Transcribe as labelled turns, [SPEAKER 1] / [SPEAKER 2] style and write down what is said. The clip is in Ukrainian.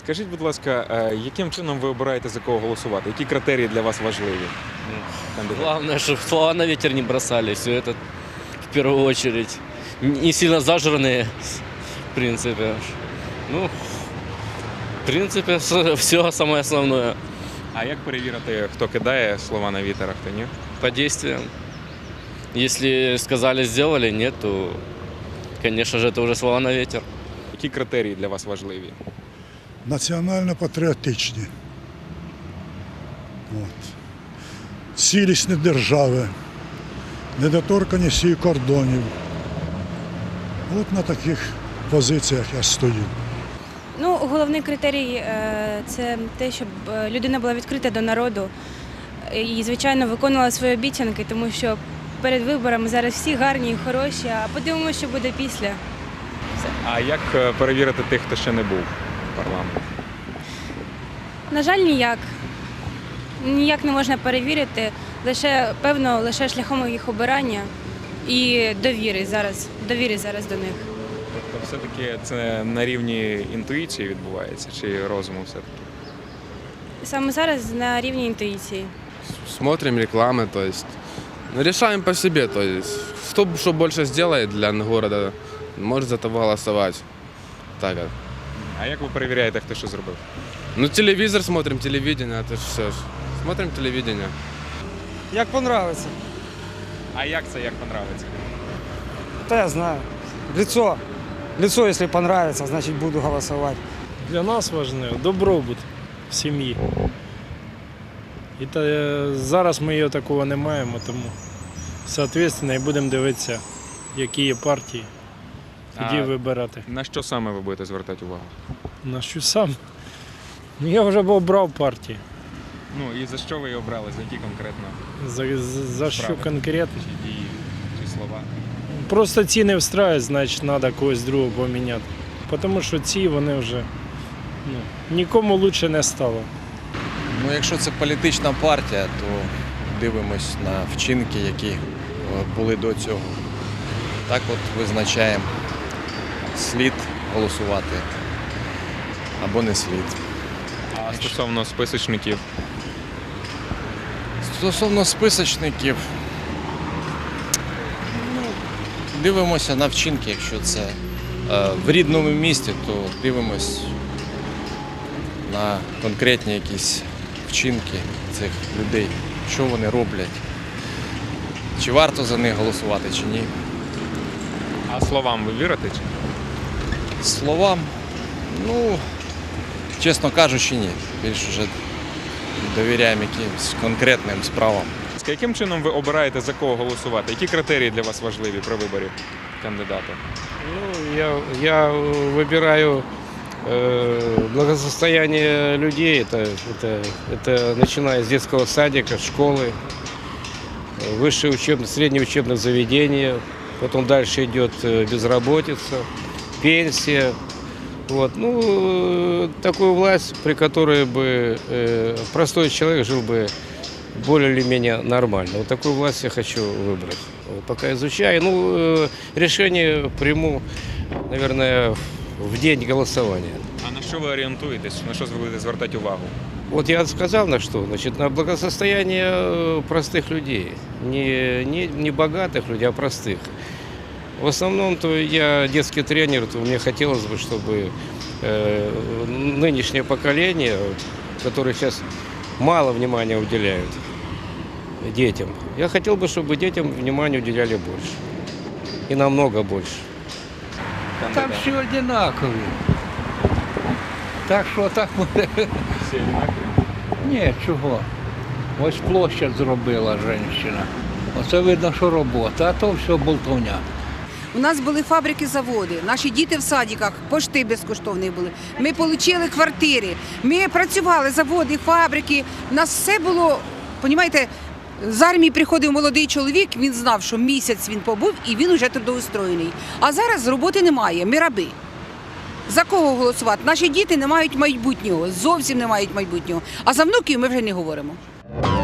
[SPEAKER 1] Скажіть, будь ласка, яким чином ви обираєте, за кого голосувати? Які критерії для вас важливі?
[SPEAKER 2] Главное, чтобы слова на ветер не бросали. Все это в первую очередь. Не сильно зажранные, в принципе. Ну, в принципе, все самое основное.
[SPEAKER 1] А як перевірити, хто кидає слова на вітер, а хто ні?
[SPEAKER 2] По действиям. Если сказали, сделали, нет, то, конечно же, это уже слова на ветер.
[SPEAKER 1] Які критерії для вас важливі?
[SPEAKER 3] Національно-патріотичні. Цілісні держави, недоторканість її кордонів. От на таких позиціях я стою.
[SPEAKER 4] Ну, головний критерій – це те, щоб людина була відкрита до народу і, звичайно, виконувала свої обіцянки, тому що перед виборами зараз всі гарні і хороші, а подивимося, що буде після.
[SPEAKER 1] А як перевірити тих, хто ще не був в парламенті?
[SPEAKER 4] На жаль, ніяк. Ніяк не можна перевірити, лише шляхом їх обирання і довіри зараз до них.
[SPEAKER 1] Тобто все-таки це на рівні інтуїції відбувається чи розуму все-таки?
[SPEAKER 4] Саме зараз на рівні інтуїції.
[SPEAKER 5] Смотрим рекламы, то есть решаем по себе, то есть кто что больше сделает для города, может за того голосовать. Так вот.
[SPEAKER 1] А як ви перевіряєте, хто що зробив?
[SPEAKER 5] Ну телевизор смотрим, телевидение, это ж все ж. Смотрим телевидение.
[SPEAKER 6] Як понравиться.
[SPEAKER 1] А як це, як понравиться?
[SPEAKER 6] Та я знаю. Лицо. Лицо, если понравится, значит буду голосовать.
[SPEAKER 7] Для нас важливо добробут в сім'ї. І зараз ми його такого не маємо, тому відповідно і будемо дивитися, які є партії, тоді вибирати.
[SPEAKER 1] На що саме ви будете звертати увагу?
[SPEAKER 7] На що сам? Ну, я вже обрав партії.
[SPEAKER 1] Ну і за що ви її обрали? За які конкретно
[SPEAKER 7] За що
[SPEAKER 1] справи?
[SPEAKER 7] конкретно?
[SPEAKER 1] Чи дії, чи слова?
[SPEAKER 7] Просто ці не встраюють, значить треба когось другого поміняти. Тому що ці вони вже нікому краще не стало.
[SPEAKER 8] Ну, якщо це політична партія, то дивимось на вчинки, які були до цього. Так от визначаємо, слід голосувати або не слід.
[SPEAKER 1] А стосовно списочників?
[SPEAKER 8] Стосовно списочників, дивимося на вчинки, якщо це в рідному місті, то дивимось на конкретні якісь вчинки цих людей, що вони роблять, чи варто за них голосувати, чи ні.
[SPEAKER 1] А словам ви вірите? Чи?
[SPEAKER 8] Словам, ну, чесно кажучи, ні. Більше вже довіряємо якимось конкретним справам.
[SPEAKER 1] Яким чином ви обираєте, за кого голосувати? Які критерії для вас важливі при виборі кандидата?
[SPEAKER 9] Ну, я выбираю благосостояние людей, это начиная с детского садика, школы, среднего учебных заведений, потом дальше идет безработица, пенсия. Вот. Ну, такую власть, при которой бы простой человек жил бы более или менее нормально. Вот такую власть я хочу выбрать. Вот, пока изучаю. Ну, решение приму, наверное, в день голосования.
[SPEAKER 1] А на що ви орієнтуєтесь? На що ви будете звертати увагу?
[SPEAKER 9] Вот я сказал на что. Значит, на благосостояние простых людей. Не богатых людей, а простых. В основном-то я детский тренер, то мне хотелось бы, чтобы нынешнее поколение, которое сейчас мало внимания уделяют детям, я хотел бы, чтобы детям внимания уделяли больше. И намного больше.
[SPEAKER 10] Там всі однакові. Так що так буде.
[SPEAKER 1] Всі однакові?
[SPEAKER 10] Ні, чого. Ось площадь зробила жінка. Оце видно, що робота, а то все болтовня.
[SPEAKER 11] У нас були фабрики, заводи, наші діти в садиках, пошти безкоштовні були. Ми отримали квартири, ми працювали, заводи, фабрики. У нас все було, розумієте, з армії приходив молодий чоловік, він знав, що місяць він побув і він вже трудоустроєний. А зараз роботи немає, ми раби. За кого голосувати? Наші діти не мають майбутнього, зовсім не мають майбутнього. А за внуків ми вже не говоримо.